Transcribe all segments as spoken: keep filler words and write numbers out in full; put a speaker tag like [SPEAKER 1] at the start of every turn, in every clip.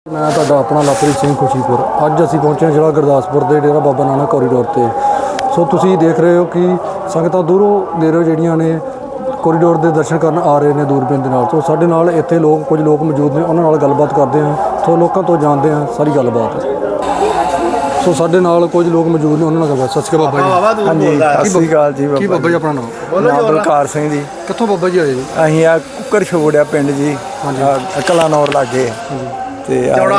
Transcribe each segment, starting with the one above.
[SPEAKER 1] मैं तुहाडा अपना लवप्रीत सिंह खुशीपुर। अज असीं पहुंचे जिला गुरदासपुर के डेरा बाबा नानक कॉरीडोर पर। सो तुसीं देख रहे हो कि संगतां दूरों नेड़ों जिहड़ियां ने कॉरीडोर के दर्शन करन आ रहे हैं दूरबीन दे नाल। तो साडे नाल इत्थे लोग कुछ लोग मौजूद ने, उन्हां नाल गलबात करते हैं। सो लोगों तो जानते हैं सारी गलबात। सो साडे नाल कुछ लोग मौजूद ने, उन्हां नाल गलबात। सत श्री अकाल बाबा जी।
[SPEAKER 2] हाँ जी, सत श्री अकाल जी।
[SPEAKER 1] की बाबा जी अपना नाम?
[SPEAKER 2] नाम बलकार सिंह जी।
[SPEAKER 1] कित्थों बाबा जी आए जी?
[SPEAKER 2] असीं आ कुकर छोड़िया पिंड जी, कलानौर लागे ते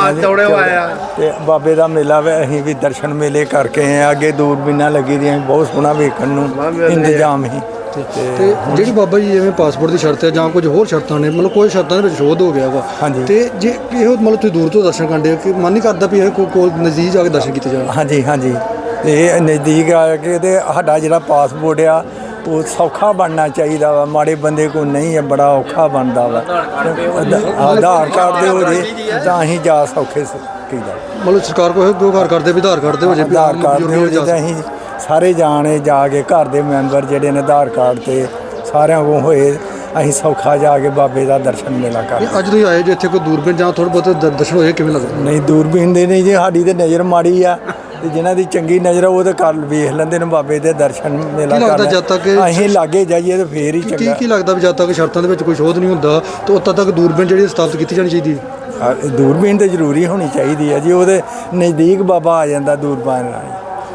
[SPEAKER 2] बाबे का मेला वे। असीं भी दर्शन मेले करके आए। अगे दूरबीना लगी दी, बहुत सोहना वेखण नूं इंतजाम ही।
[SPEAKER 1] ਤੇ ਜਿਹੜੀ ਬਾਬਾ ਜੀ ਜਿਵੇਂ ਪਾਸਪੋਰਟ ਦੀ ਸ਼ਰਤ ਹੈ ਜਾਂ ਕੁਝ ਹੋਰ ਸ਼ਰਤਾਂ ਨੇ, ਮਤਲਬ ਕੋਈ ਸ਼ਰਤਾਂ ਦੇ ਵਿੱਚ ਸ਼ੋਧ ਹੋ ਗਿਆ ਵਾ।
[SPEAKER 2] ਹਾਂਜੀ।
[SPEAKER 1] ਤੇ ਜੇ ਇਹੋ ਮਤਲਬ ਤੁਸੀਂ ਦੂਰ ਤੋਂ ਦਰਸ਼ਨ ਕਰਦੇ ਕਿ ਮਨ ਨਹੀਂ ਕਰਦਾ ਵੀ ਇਹ ਕੋ- ਕੋਲ ਨਜ਼ਦੀਕ ਜਾ ਕੇ ਦਰਸ਼ਨ ਕੀਤੇ ਜਾਣ?
[SPEAKER 2] ਹਾਂਜੀ ਹਾਂਜੀ, ਤੇ ਨਜ਼ਦੀਕ ਆ ਕੇ ਤੇ ਸਾਡਾ ਜਿਹੜਾ ਪਾਸਪੋਰਟ ਆ ਉਹ ਸੌਖਾ ਬਣਨਾ ਚਾਹੀਦਾ ਵਾ। ਮਾੜੇ ਬੰਦੇ ਕੋਲ ਨਹੀਂ ਹੈ, ਬੜਾ ਔਖਾ ਬਣਦਾ ਵਾ। ਆਧਾਰ ਕਾਰਡ ਦੇ ਹੋ ਜੇ ਤਾਂ ਅਸੀਂ ਜਾ ਸੌਖੇ ਕੀਦਾ।
[SPEAKER 1] ਮਤਲਬ ਸਰਕਾਰ ਕੋਲ ਇਹੋ ਗੁਹਾਰ ਕਰਦੇ ਵੀ ਆਧਾਰ ਕਾਰਡ ਦੇ ਹੋ ਜੇ, ਵੀ
[SPEAKER 2] ਆਧਾਰ
[SPEAKER 1] ਆਮ
[SPEAKER 2] ਕਾਰਡ
[SPEAKER 1] ਬਜ਼ੁਰਗ
[SPEAKER 2] ਦੇ ਹੋ
[SPEAKER 1] ਜਾ
[SPEAKER 2] ਜੇ ਤਾਂ ਅਸੀਂ ਸਾਰੇ ਜਾਣੇ ਜਾ ਕੇ ਘਰ ਦੇ ਮੈਂਬਰ ਜਿਹੜੇ ਨੇ ਆਧਾਰ ਕਾਰਡ ਤੇ ਸਾਰਿਆਂ ਕੋਲ ਹੋਏ, ਅਸੀਂ ਸੌਖਾ ਜਾ ਕੇ ਬਾਬੇ ਦਾ ਦਰਸ਼ਨ ਮੇਲਾ ਕਰ।
[SPEAKER 1] ਸਕਦੇ। ਅੱਜ ਤੁਸੀਂ ਆਏ ਜੇ ਇੱਥੇ ਕੋਈ ਦੂਰਬੀਨ ਜਾਂ ਥੋੜ੍ਹੇ ਬਹੁਤ ਦ- ਦਰਸ਼ਨ ਹੋਏ, ਕਿਵੇਂ ਲੱਗਦਾ?
[SPEAKER 2] ਨਹੀਂ ਦੂਰਬੀਨ ਦੇ ਨਹੀਂ ਜੀ, ਸਾਡੀ ਤੇ ਨਜ਼ਰ ਮਾੜੀ ਆ, ਤੇ ਜਿਨ੍ਹਾਂ ਦੀ ਚੰਗੀ ਨਜ਼ਰ ਆ ਉਹ ਤਾਂ ਕਰ ਵੇਖ ਲੈਂਦੇ ਨੇ ਬਾਬੇ ਦੇ ਦਰਸ਼ਨ ਮੇਲਾ
[SPEAKER 1] ਕੀ ਲੱਗਦਾ
[SPEAKER 2] ਕਰ।
[SPEAKER 1] ਜਦ ਤੱਕ
[SPEAKER 2] ਅਸੀਂ ਲਾਗੇ ਜਾਈਏ ਤਾਂ ਫੇਰ ਹੀ
[SPEAKER 1] ਕੀ
[SPEAKER 2] ਚੰਗਾ।
[SPEAKER 1] ਕੀ ਲੱਗਦਾ ਵੀ ਜਦ ਤੱਕ ਸ਼ਰਤਾਂ ਦੇ ਵਿੱਚ ਕੋਈ ਸ਼ੋਧ ਨਹੀਂ ਹੁੰਦਾ ਤਾਂ ਉਦੋਂ ਤੱਕ ਦੂਰਬੀਨ ਜਿਹੜੀ ਸਥਾਪਿਤ ਕੀਤੀ ਜਾਣੀ ਚਾਹੀਦੀ ਹੈ?
[SPEAKER 2] ਆ, ਦੂਰਬੀਨ ਤਾਂ ਜ਼ਰੂਰੀ ਹੋਣੀ ਚਾਹੀਦੀ ਹੈ ਜੀ। ਉਹਦੇ ਨਜ਼ਦੀਕ ਬਾਬਾ ਆ ਜਾਂਦਾ ਦੂਰਬੀਨ ਨਾਲ।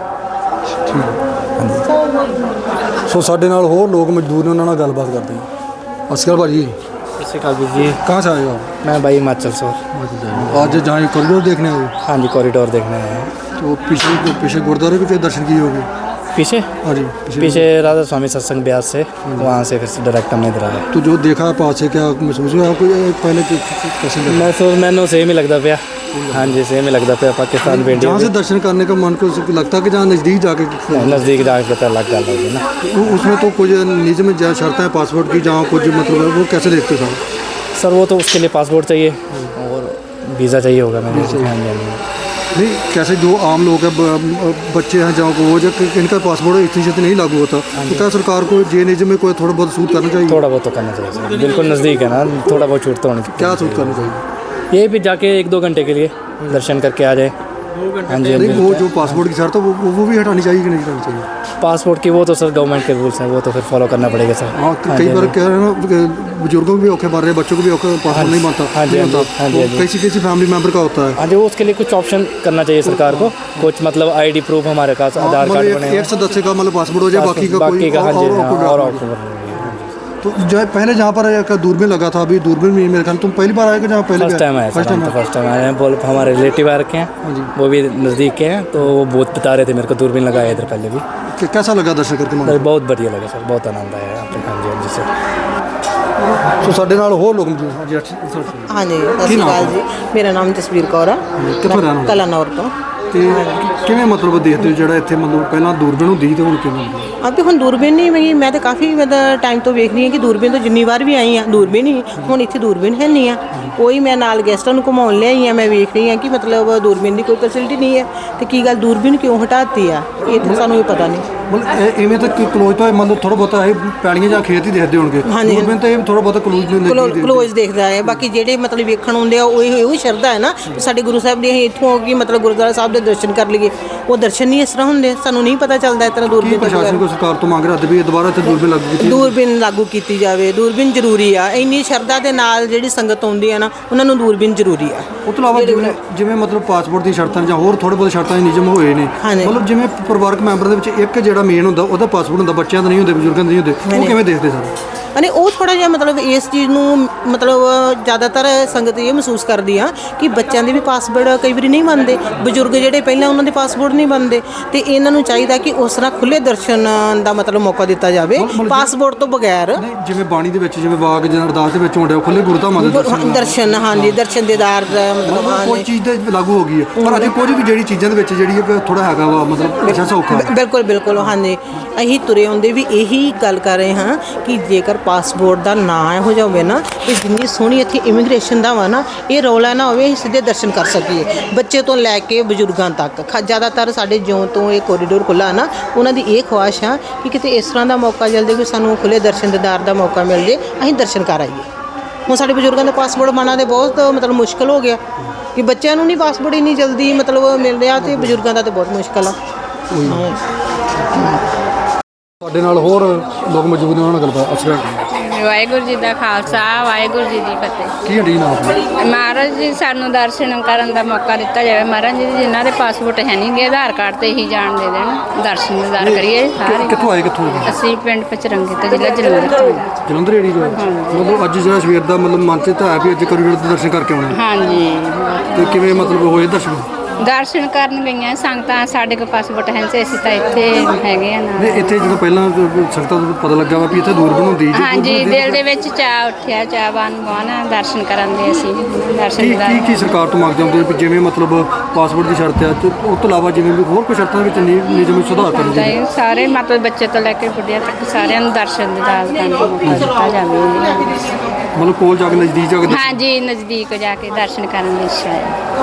[SPEAKER 1] ਸੋ ਸਾਡੇ ਨਾਲ ਹੋਰ ਲੋਕ ਮਜ਼ਦੂਰ ਨੇ, ਉਹਨਾਂ ਨਾਲ ਗੱਲਬਾਤ ਕਰਦੇ ਹਾਂ। ਸਤਿ ਸ਼੍ਰੀ ਅਕਾਲ ਭਾਜੀ।
[SPEAKER 3] सत श्रीकाल वीर जी।
[SPEAKER 1] कहाँ से आए हो आप?
[SPEAKER 3] मैं भाई हिमाचल से।
[SPEAKER 1] आज जहाँ कॉरिडोर देखने आए हो,
[SPEAKER 3] हाँ जी, कॉरिडोर देखने आए हैं।
[SPEAKER 1] तो पीछे पीछे गुरुद्वारे भी के दर्शन किए होंगे?
[SPEAKER 3] पीछे
[SPEAKER 1] हाँ जी,
[SPEAKER 3] पीछे राधा स्वामी सत्संग ब्यास से, वहाँ से फिर से डायरेक्ट हमने इधर आया।
[SPEAKER 1] तो जो देखा पास से क्या महसूस हुआ आपको? ये पहले कि- कि- कैसे लगा?
[SPEAKER 3] मैं सोच मैंने सेम ही लगता पाया। हाँ जी, सेम ही लगता पाया। पाकिस्तान पे
[SPEAKER 1] जहाँ से दर्शन करने का मन को लगता है कि जहाँ नज़दीक जाके,
[SPEAKER 3] नज़दीक जाके पता लग गया लगी ना।
[SPEAKER 1] वो उसमें तो कुछ निजी में जहाँ शर्तें हैं पासपोर्ट की, जहाँ कुछ मतलब है, वो कैसे देखते हो सर?
[SPEAKER 3] सर वो तो उसके लिए पासपोर्ट चाहिए और वीज़ा चाहिए होगा मैंने। हाँ जी, हाँ जी।
[SPEAKER 1] नहीं, कैसे जो आम लोग हैं, ब- बच्चे हैं जहाँ को, वो जब इनका पासपोर्ट इतनी छेती नहीं लागू होता, तो क्या सरकार को जे निजी में कोई थोड़ा बहुत सूट करना चाहिए?
[SPEAKER 3] थोड़ा बहुत तो करना चाहिए सर, बिल्कुल नज़दीक है ना, थोड़ा बहुत छूट तो होनी चाहिए।
[SPEAKER 1] क्या सूट करना चाहिए?
[SPEAKER 3] ये भी जाके एक दो घंटे के लिए दर्शन करके आ जाए। हाँ जी।
[SPEAKER 1] नहीं, वो जो पासपोर्ट की शर्त है वो वो भी हटानी चाहिए कि नहीं हटानी चाहिए?
[SPEAKER 3] पासपोर्ट की वो तो सर गवर्नमेंट के रूल्स हैं, वो तो फिर फॉलो करना पड़ेगा सर।
[SPEAKER 1] हाँ, कई बार कह रहे हैं ना कि बुजुर्गों को भी औखे मार रहे हैं, बच्चों को भी औखे, पासपोर्ट नहीं बनता।
[SPEAKER 3] हाँ जी,
[SPEAKER 1] नहीं
[SPEAKER 3] हाँ जी,
[SPEAKER 1] बनता।
[SPEAKER 3] हाँ जी,
[SPEAKER 1] वो
[SPEAKER 3] हाँ जी।
[SPEAKER 1] कैसी कैसी फैमिली मेंबर का होता है।
[SPEAKER 3] हाँ जी, वो उसके लिए कुछ ऑप्शन करना चाहिए सरकार को। कुछ मतलब आईडी प्रूफ हमारे पास आधार
[SPEAKER 1] मतलब
[SPEAKER 3] कार्ड
[SPEAKER 1] एक-
[SPEAKER 3] बने
[SPEAKER 1] एक सदस्य का मतलब पासपोर्ट हो जाए, बाकी का कोई
[SPEAKER 3] बाकी का। हाँ जी,
[SPEAKER 1] और-
[SPEAKER 3] हाँ,
[SPEAKER 1] और-
[SPEAKER 3] और
[SPEAKER 1] और-
[SPEAKER 3] ऑप्शन
[SPEAKER 1] तो जो है पहले जहाँ पर एक दूरबीन लगा था, अभी दूरबीन में मेरे ख्याल तुम पहली बार आए कि जहाँ पहले
[SPEAKER 3] फर्स्ट टाइम आया
[SPEAKER 1] फर्स्ट
[SPEAKER 3] सर, हम
[SPEAKER 1] टाइम
[SPEAKER 3] तो फर्स्ट टाइम आए हैं। बोल हमारे रिलेटिव आ रखे
[SPEAKER 1] हाँ
[SPEAKER 3] हैं,
[SPEAKER 1] जी।
[SPEAKER 3] वो भी नज़दीक के हैं, तो वो बहुत बता रहे थे मेरे को दूरबीन लगाया इधर पहले भी।
[SPEAKER 1] कि कैसा लगा दर्शन करके मन?
[SPEAKER 3] सर बहुत बढ़िया लगा सर, बहुत आनंद आया यहाँ पे। हाँ जी, हाँ जी सर।
[SPEAKER 1] तो साढ़े नाल होर लोग मौजूद। हाँ जी, अच्छा, सर।
[SPEAKER 4] हाँ जी, सत श्री अकाल जी। मेरा नाम जसवीर कौर है,
[SPEAKER 1] कित्थों रहने वाले?
[SPEAKER 4] कलानौर तो।
[SPEAKER 1] ਤੇ ਕਿਵੇਂ ਮਤਲਬ ਦੇਖਦੇ ਹੋ ਜਿਹੜਾ ਇੱਥੇ ਮਤਲਬ ਪਹਿਲਾਂ ਦੂਰਬੀਨ ਹੁੰਦੀ ਸੀ ਤੇ ਹੁਣ ਕਿਵੇਂ ਹੁੰਦੀ ਹੈ?
[SPEAKER 4] अब तो हम दूरबीन नहीं मैं मैं तो काफ़ी मतलब टाइम तो वेख रही हूँ कि दूरबीन तो जिन्नी बार भी आई हाँ दूरबीन ही ਹੁਣ ਇੱਥੇ ਦੂਰਬੀਨ ਹੈ ਨਹੀਂ ਆ ਕੋਈ। ਮੈਂ ਨਾਲ ਗੈਸਟਾਂ ਨੂੰ ਘੁਮਾਉਣ ਲਿਆਈ ਹਾਂ, ਮੈਂ ਵੇਖ ਰਹੀ ਹਾਂ ਕਿ ਮਤਲਬ ਦੂਰਬੀਨ ਦੀ ਕੋਈ ਫੈਸਿਲਿਟੀ ਨਹੀਂ ਹੈ। ਤੇ ਕੀ ਗੱਲ ਦੂਰਬੀਨ ਕਿਉਂ ਹਟਾਤੀ ਆ, ਇਹ ਤਾਂ ਸਾਨੂੰ ਵੀ ਪਤਾ ਨਹੀਂ।
[SPEAKER 1] ਮਤਲਬ ਇਹ- ਇਵੇਂ ਤਾਂ ਕਲੋਜ਼ ਤਾਂ ਮਤਲਬ ਥੋੜਾ ਬਹੁਤਾ ਇਹ ਪੈਲੀਆਂ ਜਾਂ ਖੇਤ ਹੀ ਦੇਖਦੇ ਹੋਣਗੇ।
[SPEAKER 4] ਹਾਂਜੀ।
[SPEAKER 1] ਦੂਰਬੀਨ ਤਾਂ ਇਹ ਥੋੜਾ ਬਹੁਤਾ ਕਲੋਜ਼ ਨੂੰ
[SPEAKER 4] ਕਲੋ-
[SPEAKER 1] ਦੇਖਦੇ।
[SPEAKER 4] ਕਲੋਜ਼ ਦੇਖਦਾ ਹੈ। ਬਾਕੀ ਜਿਹੜੇ ਮਤਲਬ ਵੇਖਣ ਆਉਂਦੇ ਆ ਉਹ ਇਹੋ ਸ਼ਰਧਾ ਹੈ ਨਾ ਕਿ ਸਾਡੇ ਗੁਰੂ ਸਾਹਿਬ ਦੇ ਅਸੀਂ ਇੱਥੋਂ ਕਿ ਮਤਲਬ ਗੁਰਦੁਆਰਾ ਸਾਹਿਬ ਦੇ ਦਰਸ਼ਨ ਕਰ ਲਈਏ। ਉਹ ਦਰਸ਼ਨ ਨਹੀਂ ਇਸ ਤਰ੍ਹਾਂ ਹੁੰਦੇ, ਸਾਨੂੰ ਨਹੀਂ ਪਤਾ ਚੱਲਦਾ ਇਸ ਤਰ੍ਹਾਂ
[SPEAKER 1] ਕੀ
[SPEAKER 4] ਦੂਰਬੀਨ ਤੋਂ
[SPEAKER 1] ਪ੍ਰਸ਼ਾਸਨ
[SPEAKER 4] ਬਗੈਰ।
[SPEAKER 1] ਕੋ ਸਰਕਾਰ ਤੋਂ ਮੰਗ ਰਿਹਾ ਵੀ ਇਹ ਦੁਬਾਰਾ ਇੱਥੇ ਦੂਰਬੀਨ ਲਾਗੂ ਕੀਤੀ?
[SPEAKER 4] ਦੂਰਬੀਨ ਲਾਗੂ ਕੀਤੀ ਜਾਵੇ। ਦੂਰਬੀਨ ਜ਼ਰੂਰੀ ਆ, ਇੰਨੀ ਸ਼ਰਧਾ ਦੇ ਨਾਲ ਜਿਹੜੀ ਸੰਗਤ ਆਉਂਦੀ ਆ ਨਾ ਉਹਨਾਂ ਨੂੰ ਦੂਰਬੀਨ ਜ਼ਰੂਰੀ ਆ।
[SPEAKER 1] ਉਹ ਤੋਂ ਇਲਾਵਾ ਜਿਵੇਂ ਜਿਵੇਂ ਮਤਲਬ ਪਾਸਪੋਰਟ ਦੀ ਸ਼ਰਤਾਂ ਜਾਂ ਹੋਰ ਥੋੜੇ ਬਹੁਤ ਸ਼ਰਤਾਂ ਦੇ ਨਿਯਮ ਹੋਏ ਨੇ,
[SPEAKER 4] ਹਾਂਜੀ।
[SPEAKER 1] ਮਤਲਬ ਜਿਵੇਂ ਪਰਿਵਾਰਕ ਮੈਂਬਰਾਂ ਦੇ ਵਿੱਚ ਇੱਕ ਜਿਹੜਾ ਮੇਨ ਹੁੰਦਾ ਉਹਦਾ ਪਾਸਪੋਰਟ ਹੁੰਦਾ, ਬੱਚਿਆਂ ਦਾ ਨਹੀਂ ਹੁੰਦੇ, ਬਜ਼ੁਰਗਾਂ ਦੇ ਨਹੀਂ ਹੁੰਦੇ, ਉਹ ਕਿਵੇਂ ਦੇਖਦੇ ਸਰ?
[SPEAKER 4] ਅਨੇ ਉਹ ਥੋੜਾ ਜਿਹਾ ਮਤਲਬ ਇਸ ਚੀਜ਼ ਨੂੰ ਮਤਲਬ ਜ਼ਿਆਦਾਤਰ ਸੰਗਤ ਇਹ ਮਹਿਸੂਸ ਕਰਦੀ ਆ ਕਿ ਬੱਚਿਆਂ ਦੇ ਵੀ ਪਾਸਪੋਰਟ ਕਈ ਵਾਰੀ ਨਹੀਂ ਬਣਦੇ, ਬਜ਼ੁਰਗ ਜਿਹੜੇ ਪਹਿਲਾਂ ਉਹਨਾਂ ਦੇ ਪਾਸਪੋਰਟ ਨਹੀਂ ਬਣਦੇ, ਤੇ ਇਹਨਾਂ ਨੂੰ ਚਾਹੀਦਾ ਕਿ ਉਸ ਤਰ੍ਹਾਂ ਖੁੱਲੇ ਦਰਸ਼ਨ ਦਾ ਮਤਲਬ ਮੌਕਾ ਦਿੱਤਾ ਜਾਵੇ ਪਾਸਪੋਰਟ ਤੋਂ ਬਗੈਰ।
[SPEAKER 1] ਨਹੀਂ, ਜਿਵੇਂ ਬਾਣੀ ਦੇ ਵਿੱਚ ਜਿਵੇਂ ਵਾਕ ਜਾਂ ਅਰਦਾਸ ਦੇ ਵਿੱਚ ਹੁੰਦੇ ਉਹ ਖੁੱਲੇ ਗੁਰਧਾਮਾਂ ਦੇ ਦਰਸ਼ਨ
[SPEAKER 4] ਦਰਸ਼ਨ ਹਾਂਜੀ, ਦਰਸ਼ਨ ਦੇਦਾਰ ਦਾ ਮਤਲਬ
[SPEAKER 1] ਕੋਈ
[SPEAKER 4] ਹਾਂਜੀ।
[SPEAKER 1] ਚੀਜ਼ ਤੇ ਲਾਗੂ ਹੋ ਗਈ ਹੈ, ਪਰ ਅਜੇ ਕੁਝ ਵੀ ਜਿਹੜੀ ਚੀਜ਼ਾਂ ਦੇ ਵਿੱਚ ਜਿਹੜੀ ਹੈ ਥੋੜਾ ਹੈਗਾ ਵਾ ਮਤਲਬ ਅੱਛਾ ਸੌਖਾ।
[SPEAKER 4] ਬਿ- ਬਿਲਕੁਲ ਬਿਲਕੁਲ ਹਾਂਜੀ। ਅਸੀਂ ਤੁਰੇ ਆਉਂਦੇ ਵੀ ਇਹੀ ਗੱਲ ਕਰ ਰਹੇ ਹਾਂ ਕਿ ਜੇਕਰ ਪਾਸਪੋਰਟ ਦਾ ਨਾਂ ਇਹੋ ਜਿਹਾ ਹੋਵੇ ਨਾ, ਤੇ ਜਿੰਨੀ ਸੋਹਣੀ ਇੱਥੇ ਇਮੀਗ੍ਰੇਸ਼ਨ ਦਾ ਵਾ ਨਾ, ਇਹ ਰੌਲਾ ਨਾ ਹੋਵੇ, ਅਸੀਂ ਸਿੱਧੇ ਦਰਸ਼ਨ ਕਰ ਸਕੀਏ ਬੱਚੇ ਤੋਂ ਲੈ ਕੇ ਬਜ਼ੁਰਗਾਂ ਤੱਕ। ਖ- ਜ਼ਿਆਦਾਤਰ ਸਾਡੇ ਜਿਉਂ ਤੋਂ ਇਹ ਕੋਰੀਡੋਰ ਖੁੱਲ੍ਹਾ ਨਾ, ਉਹਨਾਂ ਦੀ ਇਹ ਖੁਆਇਸ਼ ਆ ਕਿ ਕਿਤੇ ਇਸ ਤਰ੍ਹਾਂ ਦਾ ਮੌਕਾ ਜਲਦੀ ਕੋਈ ਸਾਨੂੰ ਖੁੱਲੇ ਦਰਸ਼ਨ ਦੀਦਾਰ ਦਾ ਮੌਕਾ ਮਿਲ ਜੇ, ਅਸੀਂ ਦਰਸ਼ਨ ਕਰ ਆਈਏ। ਹੁਣ ਸਾਡੇ ਬਜ਼ੁਰਗਾਂ ਦਾ ਪਾਸਪੋਰਟ ਬਣਾਉਣਾ ਤੇ ਬਹੁਤ ਮਤਲਬ ਮੁਸ਼ਕਲ ਹੋ ਗਿਆ। ਕਿ ਬੱਚਿਆਂ ਨੂੰ ਨਹੀਂ ਪਾਸਪੋਰਟ ਇੰਨੀ ਜਲਦੀ ਮਤਲਬ ਮਿਲ ਰਿਹਾ ਤੇ ਬਜ਼ੁਰਗਾਂ ਦਾ ਤਾਂ ਬਹੁਤ ਮੁਸ਼ਕਲ ਆ। ਹਾਂ।
[SPEAKER 1] ਸਾਡੇ ਨਾਲ ਹੋਰ ਲੋਕ ਮੌਜੂਦ ਨੇ, ਉਹਨਾਂ ਨਾਲ ਗੱਲਬਾਤ ਅਸਰ
[SPEAKER 5] ਵਾਹਿਗੁਰੂ ਜੀ ਦਾ ਖਾਲਸਾ ਵਾਹਿਗੁਰੂ ਜੀ ਦੀ ਫਤਿਹ।
[SPEAKER 1] ਕੀ ਹੱਡੀ ਨਾਮ ਆਪਣਾ?
[SPEAKER 5] ਮਹਾਰਾਜ ਜੀ ਸਾਨੂੰ ਦਰਸ਼ਨ ਕਰਨ ਦਾ ਮੌਕਾ ਦਿੱਤਾ ਜਾਵੇ। ਮਹਾਰਾਜ ਜੀ ਜਿਨ੍ਹਾਂ ਦੇ ਪਾਸਪੋਰਟ ਹੈ ਨਹੀਂ ਗੇ, ਆਧਾਰ ਕਾਰਡ ਤੇ ਹੀ ਜਾਣ ਦੇ ਦੇਣ, ਦਰਸ਼ਨ ਦਿਦਾਰ ਕਰੀਏ ਸਾਰੇ।
[SPEAKER 1] ਕਿੱਥੋਂ ਆਏ ਕਿੱਥੋਂ ਜੀ?
[SPEAKER 5] ਅਸੀਂ ਪਿੰਡ ਪਚਰੰਗੇ ਤੋਂ ਜ਼ਿਲ੍ਹਾ ਜਲੰਧਰ ਤੋਂ ਹਾਂ।
[SPEAKER 1] ਜਲੰਧਰ ਏੜੀ ਤੋਂ? ਮਤਲਬ ਅੱਜ ਜਿਹੜਾ ਸਵੇਰ ਦਾ ਮਤਲਬ ਮਨ 'ਚ ਤਾਂ ਹੈ ਵੀ ਅੱਜ ਕੋਰੀਡੋਰ ਦੇ ਦਰਸ਼ਨ ਕਰਕੇ ਆਉਣਾ,
[SPEAKER 5] ਹਾਂਜੀ।
[SPEAKER 1] ਤੇ ਕਿਵੇਂ ਮਤਲਬ ਹੋਏ ਦਰਸ਼ਨ?
[SPEAKER 5] ਦਰਸ਼ਨ ਕਰਨ ਗਈਆਂ ਸੰਗਤਾਂ, ਸਾਡੇ ਕੋਲ ਪਾਸਪੋਰਟ ਹੈ ਨਹੀਂ, ਅਸੀਂ ਤਾਂ ਇੱਥੇ ਹੈਗੇ ਆ
[SPEAKER 1] ਨਹੀਂ,
[SPEAKER 5] ਨਾ।
[SPEAKER 1] ਇੱਥੇ ਜਦੋਂ ਪਹਿਲਾਂ ਸੰਗਤਾਂ ਨੂੰ ਪਤਾ ਲੱਗਾ ਵਾ ਵੀ ਇੱਥੇ ਦੂਰ ਬਣਾਉਂਦੀ ਜੀ,
[SPEAKER 5] ਹਾਂਜੀ, ਦਿਲ ਦੇ ਵਿੱਚ ਚਾਅ ਉੱਠਿਆ, ਚਾਹਵਾਨ ਬਹੁਤ ਦਰਸ਼ਨ ਕਰਨ ਦੇ। ਅਸੀਂ ਦਰਸ਼ਨ
[SPEAKER 1] ਕੀ
[SPEAKER 5] ਦਿਦਾਰ
[SPEAKER 1] ਕੀ ਕੀ ਸਰਕਾਰ ਤੋਂ ਮੰਗਦੇ ਹੁੰਦੇ ਵੀ ਜਿਵੇਂ ਮਤਲਬ ਪਾਸਪੋਰਟ ਦੀ ਸ਼ਰਤ ਹੈ ਤੇ ਉਸ ਤੋਂ ਇਲਾਵਾ ਜਿਵੇਂ ਵੀ ਹੋਰ ਕੋਈ ਸ਼ਰਤਾਂ ਵਿੱਚ ਨੀ- ਨਿਯਮ ਵਿੱਚ ਸੁਧਾਰ ਕਰਨ
[SPEAKER 5] ਤਾਂ
[SPEAKER 1] ਜੀ?
[SPEAKER 5] ਇਹ ਸਾਰੇ ਮਤਲਬ ਬੱਚੇ ਤੋਂ ਲੈ ਕੇ ਬੁੱਢਿਆਂ ਤੱਕ ਸਾਰਿਆਂ ਨੂੰ ਦਰਸ਼ਨ ਦਿਦਾਰ ਕਰਨ ਦਾ ਮੌਕਾ ਦਿੱਤਾ ਜਾਵੇ।
[SPEAKER 1] ਮਤਲਬ ਕੋਲ ਜਾ ਕੇ ਨਜ਼ਦੀਕ ਜਾ ਕੇ ਦਰਸ਼ਨ-
[SPEAKER 5] ਹਾਂਜੀ, ਨਜ਼ਦੀਕ ਜਾ ਕੇ ਦਰਸ਼ਨ ਕਰਨ ਦੀ ਇੱਛਾ ਹੈ।